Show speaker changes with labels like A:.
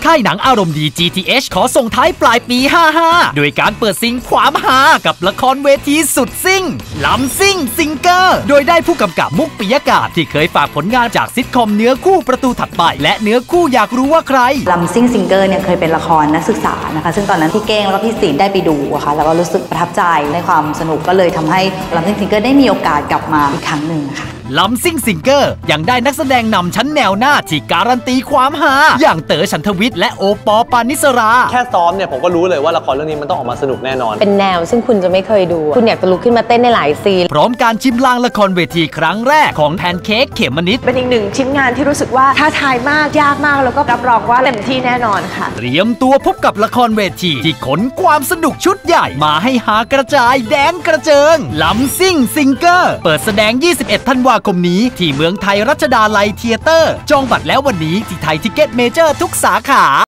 A: ค่ายหนังอารมณ์ดี GTH ขอส่งท้ายปลายปี 55 โดยการเปิดซิงความฮากับละครเวทีสุดซิ่งลำซิ่งซิงเกอร์โดยได้ผู้กำกับมุกปิยกาศที่เคยฝากผลงานจากซิทคอมเนื้อคู่ประตูถัดไปและเนื้อคู่อยากรู้ว่าใคร
B: ลำซิ่งซิงเกอร์เนี่ยเคยเป็นละครนักศึกษานะคะซึ่งตอนนั้นพี่เก้งแล้วก็พี่ศิลป์ได้ไปดูอะค่ะแล้วก็รู้สึกประทับใจในความสนุกก็เลยทำให้ลำซิ่งซิงเกอร์ได้มีโอกาสกลับมาอีกครั้งหนึ่งค่ะ
A: ลำซิ่งซิงเกอร์ยังได้นักแสดงนำชั้นแนวหน้าที่การันตีความฮาอย่างเต๋อฉันทวิทย์และโอปอปานิสรา
C: แค่ซ้อมเนี่ยผมก็รู้เลยว่าละครเรื่องนี้มันต้องออกมาสนุกแน่นอน
D: เป็นแนวซึ่งคุณจะไม่เคยดูคุณอยากจะลุกขึ้นมาเต้นในหลายซีน
A: พร้อมการชิมลางละครเวทีครั้งแรกของแพนเค้กเขมมนิด
E: เป็นอีกหนึ่งชิ้นงานที่รู้สึกว่าท้าทายมากยากมากแล้วก็รับรองว่าเต็มที่แน่นอนค่ะ
A: เตรียมตัวพบกับละครเวทีที่ขนความสนุกชุดใหญ่มาให้หากระจายแดนกระเจิงลำซิ่งซิงเกอร์เปิดแสดง21 ธันวาคมนี้ที่เมืองไทยรัชดาลัยเธียเตอร์จองบัตรแล้ววันนี้ที่ไทยทิกเก็ตเมเจอร์ทุกสาขา